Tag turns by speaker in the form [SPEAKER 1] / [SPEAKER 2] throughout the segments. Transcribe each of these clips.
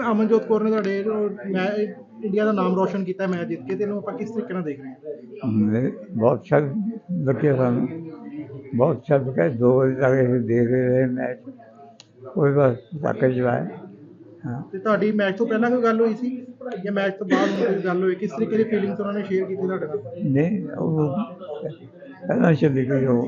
[SPEAKER 1] ਅਮਨਜੋਤ ਕੌਰ ਨੇ ਤੁਹਾਡੇ ਮੈਂ ਇੰਡੀਆ ਦਾ ਨਾਮ ਰੋਸ਼ਨ ਕੀਤਾ ਮੈਚ ਜਿੱਤ ਕੇ, ਤੇ ਇਹਨੂੰ ਆਪਾਂ ਕਿਸ ਤਰੀਕੇ ਨਾਲ ਦੇਖ ਰਹੇ ਹਾਂ?
[SPEAKER 2] बहुत अच्छा लगे सानू, बहुत अच्छा लगा। 2 बजे तक असीं देख रहे मैच, कोई बस धक्के चलाए। हाँ,
[SPEAKER 1] ਤੇ ਤੁਹਾਡੀ ਮੈਚ ਤੋਂ ਪਹਿਲਾਂ ਕੋਈ ਗੱਲ ਹੋਈ ਸੀ ਜਾਂ ਮੈਚ ਤੋਂ ਬਾਅਦ ਕੋਈ ਗੱਲ ਹੋਈ? ਕਿਸ ਤਰੀਕੇ ਦੀ ਫੀਲਿੰਗਸ ਉਹਨਾਂ ਨੇ ਸ਼ੇਅਰ ਕੀਤੀ ਤੁਹਾਡੇ ਨਾਲ?
[SPEAKER 2] नहीं वो पहला चली गई वो।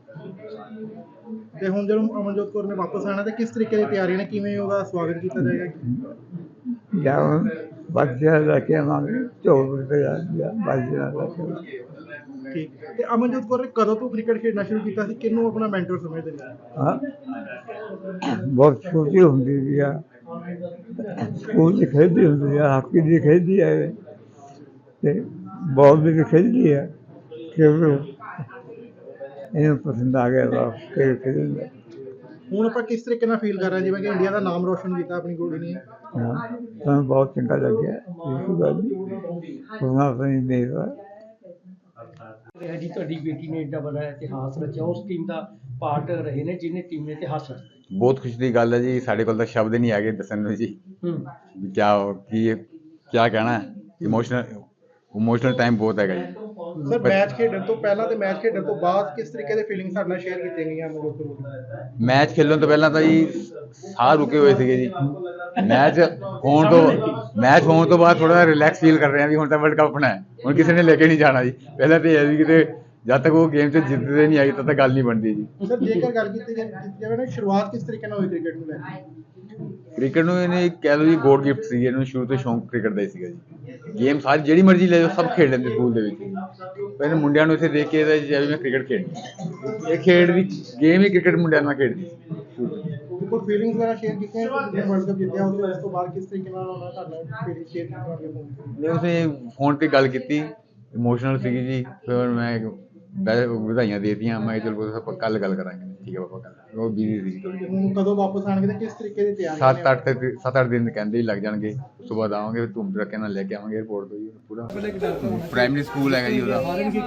[SPEAKER 1] ਤੇ ਹੁਣ ਜਦੋਂ ਅਮਨਜੋਤ ਕੌਰ ਨੇ ਵਾਪਸ ਆਣਾ, ਤੇ ਕਿਸ ਤਰੀਕੇ ਦੀ ਤਿਆਰੀ ਨੇ, ਕਿਵੇਂ ਉਹਦਾ ਸਵਾਗਤ ਕੀਤਾ ਜਾਏਗਾ?
[SPEAKER 2] या बच्चे लगे हमारे 24 रुपये बच्चे लगे।
[SPEAKER 1] ਠੀਕ। ਤੇ ਅਮਨਜੋਤ ਕੌਰ ਨੇ ਕਦੋਂ ਤੋਂ ਕ੍ਰਿਕਟ ਖੇਡਣਾ ਸ਼ੁਰੂ ਕੀਤਾ ਸੀ? ਕਿਹਨੂੰ ਆਪਣਾ ਮੈਂਟਰ ਸਮਝਦੇ ਨੇ?
[SPEAKER 2] हाँ, बहुत छोटी होंगी है, स्कूल से खेलती होंगी है, हॉकी भी खेलती है, ते बॉल भी खेलती है, क्योंकि इन्हें पसंद आ गया क्रिकेट खेलना।
[SPEAKER 1] ਹੁਣ ਆਪਾਂ ਕਿਸ ਤਰੀਕੇ ਨਾਲ ਫੀਲ ਕਰ ਰਹੇ ਹਾਂ, ਜਿਵੇਂ ਕਿ ਇੰਡੀਆ ਦਾ ਨਾਮ ਰੋਸ਼ਨ ਕੀਤਾ ਆਪਣੀ ਕੁੜੀ ਨੇ?
[SPEAKER 2] हाँ, हमें बहुत चंगा लग गया। बिल्कुल गल नहीं अपनी मेहर
[SPEAKER 3] ਰਿਹਾ ਜੀ। ਤੁਹਾਡੀ ਬੇਟੀ ਨੇ ਏਡਾ ਵੱਡਾ ਇਤਿਹਾਸ ਰਚਿਆ, ਉਸ ਟੀਮ ਦਾ ਪਾਰਟ ਰਹੇ ਨੇ ਜਿਹਨੇ ਟੀਮ ਨੇ ਇਤਿਹਾਸ ਰਚਿਆ।
[SPEAKER 4] ਬਹੁਤ ਖੁਸ਼ੀ ਦੀ ਗੱਲ ਹੈ ਜੀ। ਸਾਡੇ ਕੋਲ ਤਾਂ ਸ਼ਬਦ ਨਹੀਂ ਹੈਗੇ ਦੱਸਣ ਨੂੰ ਜੀ ਵੀ ਕਿਆ ਕਹਿਣਾ। ਇਮੋਸ਼ਨਲ ਟਾਈਮ ਬਹੁਤ ਹੈਗਾ ਜੀ।
[SPEAKER 1] ਸਰ, ਮੈਚ ਖੇਡਣ ਤੋਂ ਪਹਿਲਾਂ ਤੇ ਮੈਚ ਖੇਡਣ ਤੋਂ ਬਾਅਦ ਕਿਸ ਤਰੀਕੇ ਦੇ ਫੀਲਿੰਗ ਸਾਡੇ ਨਾਲ ਸ਼ੇਅਰ ਕੀਤੀਆਂ ਗਈਆਂ ਅਮਨਜੋਤ ਕੌਰ ਨੂੰ?
[SPEAKER 4] ਮੈਚ ਖੇਲਣ ਤੋਂ ਪਹਿਲਾਂ ਤਾਂ ਜੀ ਸਾਹ ਰੁਕੇ ਹੋਏ ਸੀਗੇ ਜੀ। ਮੈਚ ਹੋਣ ਤੋਂ ਬਾਅਦ ਥੋੜਾ ਜਿਹਾ ਰਿਲੈਕਸ ਫੀਲ ਕਰ ਰਹੇ ਹਾਂ ਵੀ ਹੁਣ ਤਾਂ ਵਰਲਡ ਕੱਪ ਆਪਣਾ ਹੈ, ਹੁਣ ਕਿਸੇ ਨੇ ਲੈ ਕੇ ਨਹੀਂ ਜਾਣਾ ਜੀ। ਪਹਿਲਾਂ ਤਾਂ ਇਹ ਵੀ ਕਿਤੇ ਜਦ ਤੱਕ ਉਹ ਗੇਮ 'ਚ ਜਿੱਤਦੇ ਨਹੀਂ ਆਈ ਤਦ ਤੱਕ ਗੱਲ ਨਹੀਂ ਬਣਦੀ ਜੀ।
[SPEAKER 1] ਸਰ, ਜੇਕਰ ਗੱਲ ਕੀਤੀ ਜਾਵੇ ਨਾ, ਸ਼ੁਰੂਆਤ ਕਿਸ ਤਰੀਕੇ ਨਾਲ ਹੋਈ ਕ੍ਰਿਕਟ ਨੂੰ ਲੈ ਕੇ?
[SPEAKER 4] ਕ੍ਰਿਕਟ ਨੂੰ ਇਹਨੇ ਕਹਿ ਲਓ ਜੀ ਗੋਡ ਗਿਫਟ ਸੀ। ਇਹਨੂੰ ਸ਼ੁਰੂ ਤੋਂ ਸ਼ੌਂਕ ਕ੍ਰਿਕਟ ਦਾ ਹੀ ਸੀਗਾ ਜੀ। ਗੇਮ ਸਾਰੀ ਜਿਹੜੀ ਮਰਜ਼ੀ ਲੈ ਜਾਓ ਸਭ ਖੇਡ ਲੈਂਦੇ ਸਕੂਲ ਦੇ ਵਿੱਚ। ਪਹਿਲੇ ਮੁੰਡਿਆਂ ਨੂੰ ਇੱਥੇ ਦੇਖ ਕੇ ਇਹਦਾ ਜਿਵੇਂ ਮੈਂ ਕ੍ਰਿਕਟ ਖੇਡਣੀ, ਇਹ ਖੇਡ ਦੀ ਗੇਮ ਹੀ ਕ੍ਰਿਕਟ ਮੁੰਡਿਆਂ ਨਾਲ ਖੇਡਦੀ।
[SPEAKER 1] ਕੋਈ ਫੀਲਿੰਗਸ ਵਗੈਰਾ ਸ਼ੇਅਰ ਕੀਤੀਆਂ ਵਰਲਡ ਕੱਪ ਜਿੱਤਿਆ ਉਸ ਤੋਂ ਬਾਅਦ? ਕਿਸ ਤਰੀਕੇ ਨਾਲ ਉਹਨਾਂ ਤੁਹਾਡਾ ਫੀਲਿੰਗ ਸ਼ੇਅਰ ਕੀਤੀ?
[SPEAKER 4] ਮੈਂ ਉਸੇ ਫੋਨ ਤੇ ਗੱਲ ਕੀਤੀ, ਇਮੋਸ਼ਨਲ ਸੀਗੀ ਜੀ। ਫਿਰ ਮੈਂ ਵਧਾਈਆਂ ਦੇ ਦਿੱਤੀਆਂ। ਮੈਂ ਕਿਹਾ ਚਲੋ ਆਪਾਂ ਕੱਲ ਗੱਲ ਕਰਾਂਗੇ। ਠੀਕ ਹੈ ਪਾਪਾ, ਕੱਲ ਉਹ ਬਿਜ਼ੀ ਸੀ ਥੋੜੀ।
[SPEAKER 1] ਹੁਣ ਕਦੋਂ ਵਾਪਸ ਆਣਗੇ ਤੇ ਕਿਸ ਤਰੀਕੇ ਦੀ ਤਿਆਰੀ?
[SPEAKER 4] 7-8 ਦਿਨ ਕਹਿੰਦੇ ਹੀ ਲੱਗ ਜਾਣਗੇ। ਉਸ ਤੋਂ ਬਾਅਦ ਆਵਾਂਗੇ, ਧੂਮ ਧੜਕੇ ਨਾਲ ਲੈ ਕੇ ਆਵਾਂਗੇ 에어ਪੋਰਟ ਤੋਂ ਜੀ। ਪੂਰਾ ਪ੍ਰਾਇਮਰੀ ਸਕੂਲ ਹੈਗਾ ਜੀ ਉਹਦਾ,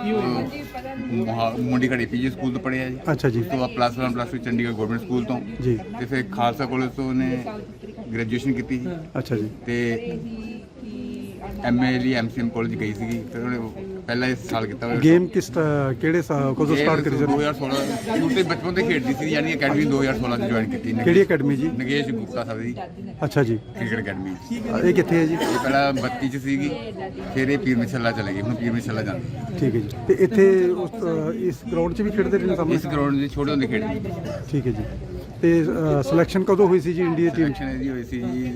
[SPEAKER 4] ਮੁੰਡੀ ਘੜੀ ਪੀਜੀ ਸਕੂਲ ਤੋਂ ਪੜ੍ਹਿਆ ਜੀ।
[SPEAKER 1] ਅੱਛਾ ਜੀ।
[SPEAKER 4] ਉਸ ਤੋਂ ਬਾਅਦ +1 +2 ਚੰਡੀਗੜ੍ਹ ਗਵਰਨਮੈਂਟ ਸਕੂਲ ਤੋਂ
[SPEAKER 1] ਜੀ।
[SPEAKER 4] ਤੇ ਫਿਰ ਖਾਲਸਾ ਕਾਲਜ ਤੋਂ ਉਹਨੇ ਗ੍ਰੈਜੂਏਸ਼ਨ ਕੀਤੀ ਜੀ।
[SPEAKER 1] ਅੱਛਾ ਜੀ।
[SPEAKER 4] ਤੇ MA ਲਈ MCM ਕਾਲਜ ਗਈ ਸੀਗੀ। ਫਿਰ ਉਹਨੇ ਪਹਿਲਾ ਇਸ ਸਾਲ ਕੀਤਾ ਹੋਇਆ।
[SPEAKER 1] ਗੇਮ ਕਿਹੜੇ ਕਦੋਂ ਸਟਾਰਟ ਕਰੀ ਸਰ?
[SPEAKER 4] 2016 ਸ਼ੁਰੂ ਤੋਂ ਬਚਪਨ ਤੋਂ ਖੇਡਦੀ ਸੀ, ਯਾਨੀ ਅਕੈਡਮੀ 2016 ਚ ਜੁਆਇਨ ਕੀਤੀ।
[SPEAKER 1] ਕਿਹੜੀ ਅਕੈਡਮੀ ਜੀ?
[SPEAKER 4] ਨਗੇਸ਼ ਗੁਪਤਾ ਸਾਹਿਬ ਦੀ
[SPEAKER 1] ਅੱਛਾ ਜੀ।
[SPEAKER 4] Cricket academy.
[SPEAKER 1] ਇਹ ਕਿੱਥੇ ਹੈ ਜੀ?
[SPEAKER 4] ਇਹ ਪਹਿਲਾਂ 32 ਚ ਸੀਗੀ, ਫਿਰ ਇਹ ਪੀਰ ਮਿਸ਼ੱਲਾ ਚਲੇ ਗਈ, ਹੁਣ ਪੀਰ ਮਿਸ਼ੱਲਾ ਜਾਂਦੀ।
[SPEAKER 1] ਠੀਕ ਹੈ ਜੀ। ਤੇ ਇੱਥੇ ਇਸ ਗਰਾਊਂਡ 'ਚ ਵੀ ਖੇਡਦੇ ਰਹੇ ਸਾਹਮਣੇ?
[SPEAKER 4] ਇਸ ਗਰਾਊਂਡ ਦੇ ਛੋਟੇ ਹੁੰਦੇ ਖੇਡਦੀ।
[SPEAKER 1] ਠੀਕ ਹੈ ਜੀ। ਤੇ ਸਿਲੈਕਸ਼ਨ ਕਦੋਂ ਹੋਈ ਸੀ ਜੀ ਇੰਡੀਆ ਟੀਮ?
[SPEAKER 4] ਸਿਲੈਕਸ਼ਨ ਇਹਦੀ ਹੋਈ ਸੀ ਜੀ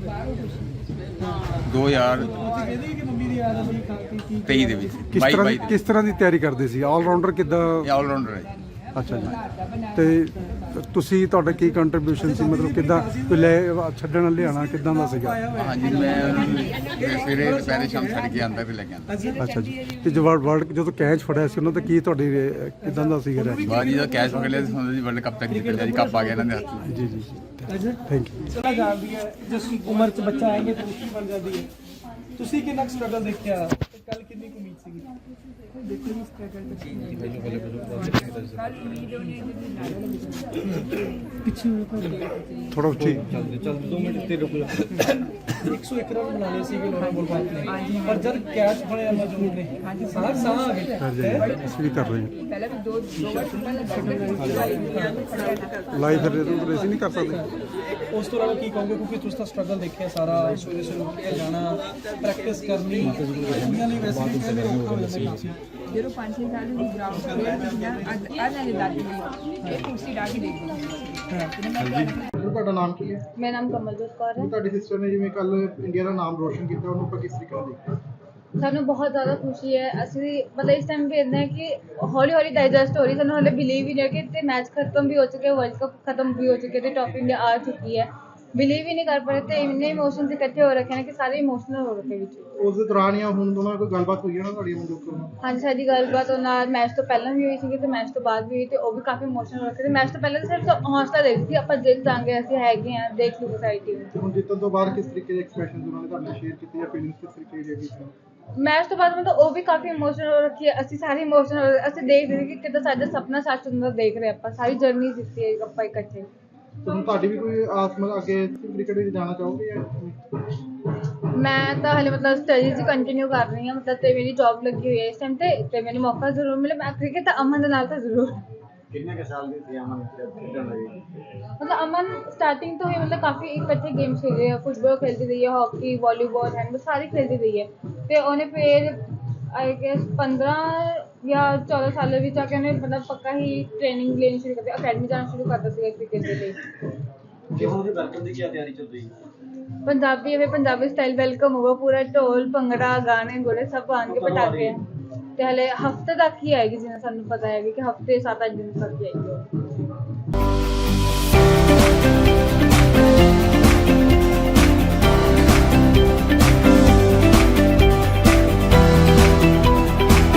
[SPEAKER 4] 2023 ਦੇ ਵਿੱਚ।
[SPEAKER 1] ਕਿਸ ਤਰ੍ਹਾਂ ਦੀ ਤਿਆਰੀ ਕਰਦੇ ਸੀ? ਆਲਰਾਊਂਡਰ ਕਿੱਦਾਂ?
[SPEAKER 4] ਇਹ ਆਲਰਾਊਂਡਰ ਹੈ ਜੀ।
[SPEAKER 1] ਅੱਛਾ ਜੀ। ਤੇ ਤੁਸੀਂ ਤੁਹਾਡਾ ਕੀ ਕੰਟਰੀਬਿਊਸ਼ਨ ਸੀ, ਮਤਲਬ ਕਿੱਦਾਂ ਕੋਈ ਛੱਡਣ ਲਿਆਣਾ ਕਿੱਦਾਂ ਦਾ ਸੀਗਾ?
[SPEAKER 4] ਹਾਂਜੀ, ਮੈਂ ਸਵੇਰੇ ਦੁਪਹਿਰੇ ਸ਼ਾਮ ਛੱਡ ਕੇ ਆਉਂਦਾ ਤੇ ਲੈ ਕੇ ਆਉਂਦਾ।
[SPEAKER 1] ਅੱਛਾ ਜੀ। ਤੇ ਜਦੋਂ ਕੈਚ ਫੜਿਆ ਸੀ ਉਹਨਾਂ ਦਾ ਕੀ ਤੁਹਾਡੀ ਕਿੱਦਾਂ ਦਾ ਸੀਗਾ?
[SPEAKER 4] ਬਾਜੀ ਦਾ ਕੈਚ ਪਕੜ ਲਿਆ ਸੀ, ਜੀ ਵਰਲਡ ਕੱਪ ਤੱਕ ਜਿੱਤ ਲਿਆ ਜੀ। ਕੱਪ ਆ ਗਿਆ ਇਹਨਾਂ ਦੇ ਹੱਥ 'ਚ।
[SPEAKER 1] ਜੀ ਜੀ। Thank you.
[SPEAKER 3] ਚਲਾ ਜਾਂਦੀ ਹੈ ਜਿਸ ਉਮਰ 'ਚ ਬੱਚਾ ਆਏਗਾ ਤਾਂ ਮੁਸ਼ਕਿਲ ਬਣ ਜਾਂਦੀ ਹੈ। ਤੁਸੀਂ ਕਿੰਨਾ ਸਟਰਗਲ ਦੇਖਿਆ ਤੇ ਕੱਲ ਕਿੰਨੀ ਕੁ ਉਮੀਦ ਸੀਗੀ? ਦੇਖੋ ਜੀ ਸਟਰਗਲ ਪਿੱਛੇ
[SPEAKER 1] ਥੋੜਾ ਉੱਚੀ।
[SPEAKER 3] 101 ਰਨ ਬਣਾ ਲਏ ਸੀਗੇ ਲੋਰਾਂ ਬੋਲਬਾਲ ਨੇ, ਪਰ ਜਦ ਕੈਚ ਫੜਿਆ ਮਜੂਦ ਨੇ ਸਾਹ ਆ ਗਏ।
[SPEAKER 1] ਅਸੀਂ ਵੀ ਕਰ ਰਹੇ ਹਾਂ ਲਾਈਵ, ਫਿਰ ਅਸੀਂ ਨਹੀਂ ਕਰ ਸਕਦੇ।
[SPEAKER 3] ਉਸ ਤੋਂ ਇਲਾਵਾ ਕੀ ਕਹੋਗੇ, ਕਿਉਂਕਿ ਤੁਸੀਂ ਤਾਂ ਸਟਰਗਲ ਦੇਖਿਆ ਸਾਰਾ, ਸਵੇਰੇ ਉੱਠ ਕੇ ਜਾਣਾ, ਪ੍ਰੈਕਟਿਸ ਕਰਨੀ, ਕੁੜੀਆਂ ਲਈ ਵੈਸੇ ਵੀ ਕਹਿੰਦੇ ਔਖਾ ਹੋ ਜਾਂਦਾ ਕੰਮ ਸੀ।
[SPEAKER 5] ਜਦੋਂ 5-6 ਸਾਲ ਦੀ ਗਰਾਊਂਡ ਖੇਡਦੀ ਆ ਅੱਜ ਦਾਦੀ ਇਹ ਕੁਰਸੀ ਡਾ ਕੇ ਦੇਖਦੀ।
[SPEAKER 1] ਤੁਹਾਡਾ ਨਾਮ ਕੀ ਹੈ?
[SPEAKER 5] ਮੇਰਾ ਨਾਮ ਕਮਲਜੋਤ ਕੌਰ ਹੈ।
[SPEAKER 1] ਤੁਹਾਡੀ ਸਿਸਟਰ ਨੇ ਜਿਵੇਂ ਕੱਲ ਇੰਡੀਆ ਦਾ ਨਾਮ ਰੋਸ਼ਨ ਕੀਤਾ, ਉਹਨੂੰ ਆਪਾਂ ਕਿਸ ਤਰੀਕੇ ਨਾਲ ਦੇਖਦੇ?
[SPEAKER 5] ਸਾਨੂੰ ਬਹੁਤ ਜ਼ਿਆਦਾ ਖੁਸ਼ੀ ਹੈ। ਅਸੀਂ ਮਤਲਬ ਇਸ ਟਾਈਮ ਵੀ ਇੱਦਾਂ ਹੈ ਕਿ ਹੌਲੀ ਹੌਲੀ ਡਾਈਜੈਸਟ ਹੋ ਰਹੀ, ਸਾਨੂੰ ਹਾਲੇ ਬਿਲੀਵ ਹੀ ਨਹੀਂ ਕਿ ਤੇ ਮੈਚ ਖਤਮ ਵੀ ਹੋ ਚੁੱਕੇ, ਵਰਲਡ ਕੱਪ ਖਤਮ ਵੀ ਹੋ ਚੁੱਕੇ ਤੇ ਟੌਪ ਇੰਡੀਆ ਆ ਚੁੱਕੀ ਹੈ। ਬਿਲੀਵ ਹੀ ਨਹੀਂ ਕਰ ਪਾ ਰਹੇ ਤੇ ਇੰਨੇ ਇਮੋਸ਼ਨਸ ਇਕੱਠੇ ਹੋ ਰੱਖੇ ਨੇ ਕਿ ਸਾਰੇ ਇਮੋਸ਼ਨਲ ਹੋ ਰੱਖੇ ਵਿੱਚ।
[SPEAKER 1] ਉਸ ਦੇ ਦੌਰਾਨ ਜਾਂ ਹੁਣ ਦੋਨਾਂ ਕੋਈ ਗੱਲਬਾਤ ਹੋਈ ਹੈ ਨਾ ਤੁਹਾਡੀ ਅਮਨਜੋਤ ਕੌਰ ਨਾਲ?
[SPEAKER 5] ਹਾਂਜੀ, ਸਾਡੀ ਗੱਲਬਾਤ ਉਹਨਾਂ ਨਾਲ ਮੈਚ ਤੋਂ ਪਹਿਲਾਂ ਵੀ ਹੋਈ ਸੀਗੀ ਤੇ ਮੈਚ ਤੋਂ ਬਾਅਦ ਵੀ ਹੋਈ, ਤੇ ਉਹ ਵੀ ਕਾਫੀ ਇਮੋਸ਼ਨਲ ਹੋ ਰੱਖੇ ਤੇ ਮੈਚ ਤੋਂ ਪਹਿਲਾਂ ਤਾਂ ਸਿਰਫ ਹੌਸਲਾ ਦੇ ਦਿੱਤੀ ਆਪਾਂ ਜਿੱਤ ਜਾਵਾਂਗੇ, ਅਸੀਂ ਹੈਗੇ ਹਾਂ, ਦੇਖ ਲਓ ਸਾਡੀ ਟੀਮ।
[SPEAKER 1] ਹੁਣ ਜਿੱਤਣ ਤੋਂ ਬਾਅਦ ਕਿਸ ਤਰੀਕੇ ਦੇ ਐਕਸਪ੍ਰੈਸ਼ਨ ਉਹਨਾਂ ਨੇ ਤੁਹਾਡੇ ਨਾਲ ਸ਼ੇਅਰ ਕੀਤੇ ਜਾਂ ਫੀਲਿੰਗਸ ਕਿਸ ਤਰੀਕੇ ਦੀ ਹੈਗੀ?
[SPEAKER 5] ਮੈਚ ਤੋਂ ਬਾਅਦ ਮਤਲਬ ਉਹ ਵੀ ਕਾਫੀ ਇਮੋਸ਼ਨਲ ਹੋ ਰੱਖੀ ਹੈ, ਅਸੀਂ ਸਾਰੇ ਇਮੋਸ਼ਨਲ, ਅਸੀਂ ਦੇਖ ਰਹੇ ਕਿ ਕਿੱਦਾਂ ਸਾਡਾ ਸੁਪਨਾ ਸੱਚ ਹੁੰਦਾ ਦੇਖ ਰਹੇ ਆਪਾਂ, ਸਾਰੀ ਜਰਨੀ ਦਿੱਤੀ ਹੈ ਆਪਾਂ ਇਕੱਠੇ।
[SPEAKER 1] ਤੁਹਾਨੂੰ ਤੁਹਾਡੀ ਵੀ ਕੋਈ ਆਸ ਮਤਲਬ ਅੱਗੇ ਕ੍ਰਿਕਟ ਵਿੱਚ ਜਾਣਾ ਚਾਹੋਗੇ ਜਾਂ
[SPEAKER 5] ਮੈਂ ਤਾਂ ਹਲੇ ਮਤਲਬ ਸਟੱਡੀਜ਼ ਕੰਟੀਨਿਊ ਕਰ ਰਹੀ ਹਾਂ ਮਤਲਬ ਤੇ ਮੇਰੀ ਜੌਬ ਲੱਗੀ ਹੋਈ ਹੈ ਇਸ ਟਾਈਮ ਤੇ ਮੈਨੂੰ ਮੌਕਾ ਜ਼ਰੂਰ ਮਿਲੇ ਮੈਂ ਕ੍ਰਿਕਟ ਤਾਂ ਅਮਨ ਦੇ ਨਾਲ ਤਾਂ ਜ਼ਰੂਰ
[SPEAKER 1] ਕਿੰਨੇ ਸਾਲ ਦੀ ਸੀ ਅਮਨ ਖੇਡਣ ਲਈ
[SPEAKER 5] ਮਤਲਬ ਅਮਨ ਸਟਾਰਟਿੰਗ ਤੋਂ ਹੀ ਮਤਲਬ ਕਾਫੀ ਇਕੱਠੇ ਗੇਮਸ ਖੇਡੇ ਹੈ ਫੁੱਟਬਾਲ ਖੇਡਦੀ ਰਹੀ ਹੈ ਹਾਕੀ ਵਾਲੀਬਾਲ ਹੈਂਡਬਾਲ ਸਾਰੀ ਖੇਡਦੀ ਰਹੀ ਹੈ ਤੇ ਉਹਨੇ ਫਿਰ ਆਈ ਗੈਸ 15 ਜਾਂ 14 ਸਾਲਾਂ ਵਿੱਚ ਆ ਕੇ ਉਹਨੇ ਮਤਲਬ ਪੱਕਾ ਹੀ ਟ੍ਰੇਨਿੰਗ ਲੈਣੀ ਸ਼ੁਰੂ ਕਰਤੀ ਅਕੈਡਮੀ ਜਾਣਾ ਸ਼ੁਰੂ ਕਰਤਾ ਸੀਗਾ ਕ੍ਰਿਕਟ ਦੇ ਲਈ
[SPEAKER 1] ਕਿ ਹੁਣ ਉਹਦੇ ਵੈਲਕਮ ਦੀ ਕੀ ਤਿਆਰੀ ਚੱਲ ਰਹੀ
[SPEAKER 5] ਪੰਜਾਬੀ ਸਟਾਈਲ ਵੈਲਕਮ ਹੋਗਾ ਪੂਰਾ ਢੋਲ ਭੰਗੜਾ ਗਾਣੇ ਗੋਲੇ ਸਭ ਆਉਣਗੇ ਪਟਾਕੇ ਤੇ ਹਲੇ ਹਫਤੇ ਤੱਕ ਹੀ ਆਏਗੀ ਜਿਵੇਂ ਸਾਨੂੰ ਪਤਾ ਹੈ ਕਿ ਹਫਤੇ 7-8 ਦਿਨ ਤੱਕ ਹੀ ਆਏਗੀ